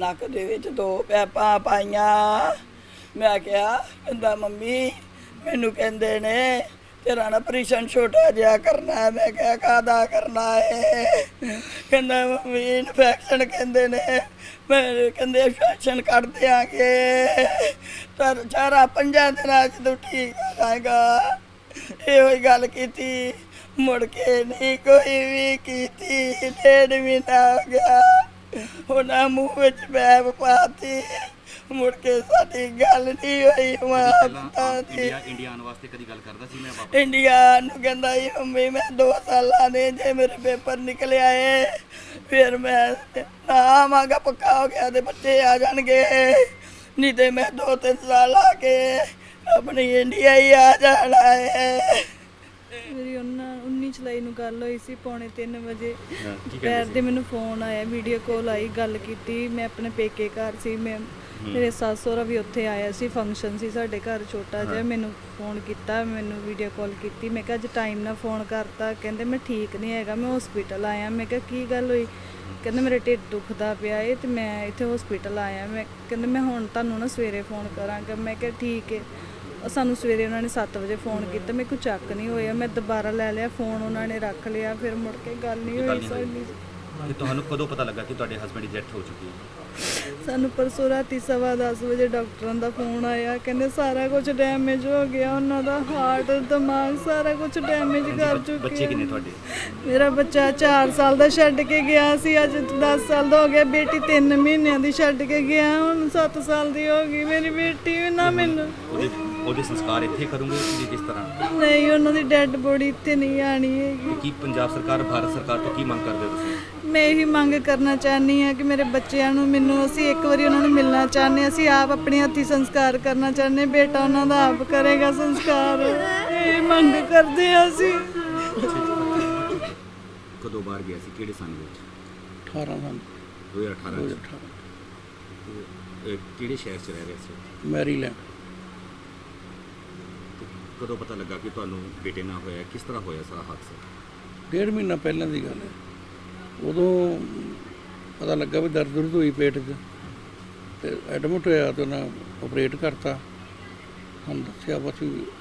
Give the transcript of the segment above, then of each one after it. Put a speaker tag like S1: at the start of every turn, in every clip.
S1: ਨੱਕ ਦੇ ਵਿੱਚ 2 ਪੈਪਾਂ ਪਾਈਆਂ। ਮੈਂ ਕਿਹਾ, ਕਹਿੰਦਾ ਮੰਮੀ ਮੈਨੂੰ ਕਹਿੰਦੇ ਨੇ ਤੇਰਾ ਨਾ ਆਪਰੇਸ਼ਨ ਛੋਟਾ ਜਿਹਾ ਕਰਨਾ ਹੈ। ਮੈਂ ਕਿਹਾ ਕਾਹਦਾ ਕਰਨਾ ਹੈ? ਕਹਿੰਦਾ ਮੰਮੀ ਇਨਫੈਕਸ਼ਨ ਕਹਿੰਦੇ ਨੇ। ਮੈਂ ਕਹਿੰਦੇ ਇਨਫੈਕਸ਼ਨ ਕੱਢ ਦਿਆਂਗੇ ਪਰ 4-5 ਦਿਨਾਂ 'ਚ ਤੂੰ ਠੀਕ ਹੋ ਜਾਏਗਾ। ਇਹੋ ਹੀ ਗੱਲ ਕੀਤੀ, ਮੁੜ ਕੇ ਨਹੀਂ ਕੋਈ ਵੀ ਕੀਤੀ। 1.5 ਮਹੀਨਾ ਹੋ ਗਿਆ, ਉਹਨਾਂ ਮੂੰਹ ਵਿੱਚ ਪੈਪ ਪਾਤੀ। ਮੁੜ ਕੇ ਸਾਡੀ ਗੱਲ ਨਹੀਂ ਹੋਈ।
S2: ਇੰਡੀਆ ਆਉਣ ਵਾਸਤੇ ਕਦੀ ਗੱਲ ਕਰਦਾ ਸੀ? ਮੈਂ ਵਾਪਸ
S1: ਇੰਡੀਆ ਨੂੰ ਕਹਿੰਦਾ ਸੀ ਮੰਮੀ ਮੈਂ 2 ਸਾਲਾਂ ਦੇ ਜੇ ਮੇਰੇ ਪੇਪਰ ਨਿਕਲਿਆ ਏ ਫਿਰ ਮੈਂ ਨਾ ਆਵਾਂਗਾ, ਪੱਕਾ ਹੋ ਗਿਆ ਤੇ ਬੱਚੇ ਆ ਜਾਣਗੇ, ਨਹੀਂ ਤੇ ਮੈਂ 2-3 ਸਾਲ ਆ ਕੇ ਆਪਣੀ ਇੰਡੀਆ ਹੀ ਆ ਜਾਣਾ ਹੈ।
S3: ਮੇਰੀ 19 ਜੁਲਾਈ ਨੂੰ ਗੱਲ ਹੋਈ ਸੀ 2:45 ਵਜੇ। ਦੁਪਹਿਰ ਦੇ ਮੈਨੂੰ ਫੋਨ ਆਇਆ, ਵੀਡੀਓ ਕਾਲ ਆਈ, ਗੱਲ ਕੀਤੀ। ਮੈਂ ਆਪਣੇ ਪੇਕੇ ਘਰ ਸੀ, ਮੇਰੇ ਸੱਸ ਸਹੁਰਾ ਵੀ ਉੱਥੇ ਆਇਆ ਸੀ, ਫੰਕਸ਼ਨ ਸੀ ਸਾਡੇ ਘਰ ਛੋਟਾ ਜਿਹਾ। ਮੈਨੂੰ ਫੋਨ ਕੀਤਾ, ਮੈਨੂੰ ਵੀਡੀਓ ਕਾਲ ਕੀਤੀ। ਮੈਂ ਕਿਹਾ ਅੱਜ ਟਾਈਮ ਨਾਲ ਫੋਨ ਕਰਤਾ। ਕਹਿੰਦੇ ਮੈਂ ਠੀਕ ਨਹੀਂ ਹੈਗਾ, ਮੈਂ ਹਸਪੀਟਲ ਆਇਆ। ਮੈਂ ਕਿਹਾ ਕੀ ਗੱਲ ਹੋਈ? ਕਹਿੰਦੇ ਮੇਰੇ ਢਿੱਡ ਦੁਖਦਾ ਪਿਆ ਏ ਤੇ ਮੈਂ ਇੱਥੇ ਹਸਪੀਟਲ ਆਇਆ। ਕਹਿੰਦੇ ਮੈਂ ਹੁਣ ਤੁਹਾਨੂੰ ਨਾ ਸਵੇਰੇ ਫੋਨ ਕਰਾਂਗਾ। ਮੈਂ ਕਿਹਾ ਠੀਕ ਹੈ। ਸਾਨੂੰ ਸਵੇਰੇ ਉਹਨਾਂ ਨੇ 7 ਵਜੇ ਫੋਨ ਕੀਤਾ, ਮੇਰੇ ਕੋਲ ਚੱਕ ਨਹੀਂ ਹੋਇਆ। ਮੈਂ ਦੁਬਾਰਾ ਲੈ ਲਿਆ ਫੋਨ, ਉਹਨਾਂ ਨੇ ਰੱਖ ਲਿਆ। ਫਿਰ ਮੁੜ ਕੇ ਗੱਲ ਨਹੀਂ ਹੋਈ ਸਾਡੀ।
S2: ਤੁਹਾਨੂੰ ਕਦੋਂ ਪਤਾ ਲੱਗਾ ਕਿ ਤੁਹਾਡੇ ਹਸਬੈਂਡ ਦੀ ਡੈਥ ਹੋ ਚੁੱਕੀ ਹੈ?
S3: ਸਾਨੂੰ ਪਰਸੋਂ ਰਾਤੀ 10:15 ਵਜੇ ਡਾਕਟਰਾਂ ਦਾ ਫੋਨ ਆਇਆ। ਕਹਿੰਦੇ ਸਾਰਾ ਕੁਝ ਡੈਮੇਜ ਹੋ ਗਿਆ, ਉਹਨਾਂ ਦਾ ਹਾਰਟ, ਦਿਮਾਗ ਸਾਰਾ ਕੁਝ ਡੈਮੇਜ ਕਰ ਚੁੱਕੇ।
S2: ਬੱਚੇ ਕਿੰਨੇ ਤੁਹਾਡੇ?
S3: ਮੇਰਾ ਬੱਚਾ 4 ਸਾਲ ਦਾ ਛੱਡ ਕੇ ਗਿਆ ਸੀ, ਅੱਜ 10 ਸਾਲ ਦਾ ਹੋ ਗਿਆ। ਬੇਟੀ 3 ਮਹੀਨਿਆਂ ਦੀ ਛੱਡ ਕੇ ਗਿਆ, ਹੁਣ 7 ਸਾਲ ਦੀ ਹੋ ਗਈ ਮੇਰੀ ਬੇਟੀ। ਨਾ ਮੈਨੂੰ
S2: ਉਹਦੇ ਸੰਸਕਾਰ ਇੱਥੇ ਕਰੋਗੇ ਕਿ ਕਿਸ ਤਰ੍ਹਾਂ?
S3: ਨਹੀਂ, ਉਹਨਾਂ ਦੀ ਡੈੱਡ ਬੋਡੀ ਇੱਥੇ ਨਹੀਂ ਆਣੀ ਹੈਗੀ।
S2: ਕੀ ਪੰਜਾਬ ਸਰਕਾਰ, ਭਾਰਤ ਸਰਕਾਰ ਤੋਂ ਕੀ ਮੰਗ ਕਰਦੇ ਹੋ ਤੁਸੀਂ?
S3: ਮੈਂ ਇਹੀ ਮੰਗ ਕਰਨਾ ਚਾਹੁੰਦੀ ਹਾਂ ਕਿ ਮੇਰੇ ਬੱਚਿਆਂ ਨੂੰ, ਅਸੀਂ ਇੱਕ ਵਾਰੀ ਉਹਨਾਂ ਨੂੰ ਮਿਲਣਾ ਚਾਹੁੰਦੇ ਹਾਂ। ਅਸੀਂ ਆਪ ਆਪਣੇ ਹੱਥੀਂ ਸੰਸਕਾਰ ਕਰਨਾ ਚਾਹੁੰਦੇ। ਬੇਟਾ ਉਹਨਾਂ ਦਾ ਆਪ ਕਰੇਗਾ ਸੰਸਕਾਰ, ਇਹ ਮੰਗ ਕਰਦੇ ਹਾਂ ਅਸੀਂ।
S2: ਕਦੋਂ ਬਾਹਰ ਗਿਆ ਸੀ? ਕਿਹੜੇ ਸਾਲ ਵਿੱਚ?
S1: 18 ਸਾਲ
S2: 2018 ਕਿਹੜੇ ਸ਼ਹਿਰ 'ਚ ਰਹਿ ਰਹੇ ਸੀ?
S1: ਮੈਰੀਲੈਂਡ।
S2: ਕਦੋਂ ਪਤਾ ਲੱਗਾ ਕਿ ਤੁਹਾਨੂੰ ਬੇਟੇ ਨਾਲ ਹੋਇਆ? ਕਿਸ ਤਰ੍ਹਾਂ ਹੋਇਆ ਸਾਰਾ ਹਾਦਸਾ?
S1: 1.5 ਮਹੀਨਾ ਪਹਿਲਾਂ ਦੀ ਗੱਲ ਹੈ। ਉਦੋਂ ਪਤਾ ਲੱਗਾ ਵੀ ਦਰਦ ਹੋਈ ਪੇਟ 'ਚ ਤੇ ਐਡਮਿਟ ਹੋਇਆ ਤੇ ਉਹਨਾਂ ਆਪਰੇਟ ਕਰਤਾ। ਸਾਨੂੰ ਦੱਸਿਆ ਬਸ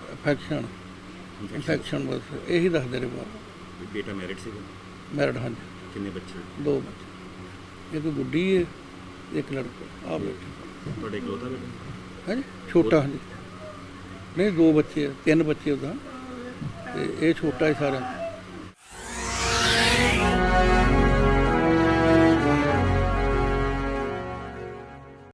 S1: ਇਨਫੈਕਸ਼ਨ ਬਸ ਇਹੀ ਦੱਸਦੇ ਰਹੇ ਬਾਅਦ।
S2: ਬੇਟਾ ਮੈਰਿਡ ਸੀਗਾ?
S1: ਮੈਰਿਡ, ਹਾਂਜੀ।
S2: ਕਿੰਨੇ ਬੱਚੇ?
S1: 2 ਬੱਚੇ, ਇੱਕ ਗੁੱਡੀ ਹੈ, ਇੱਕ ਲੜਕਾ। ਆ ਬੇਟਾ
S2: ਤੁਹਾਡੇ ਇਕਲੌਤਾ ਬੇਟਾ?
S1: ਹਾਂਜੀ, ਛੋਟਾ। ਹਾਂਜੀ, ਨਹੀਂ 2 ਬੱਚੇ, 3 ਬੱਚੇ ਉਹਦਾ, ਤੇ ਇਹ ਛੋਟਾ ਹੀ ਸਾਰਾ।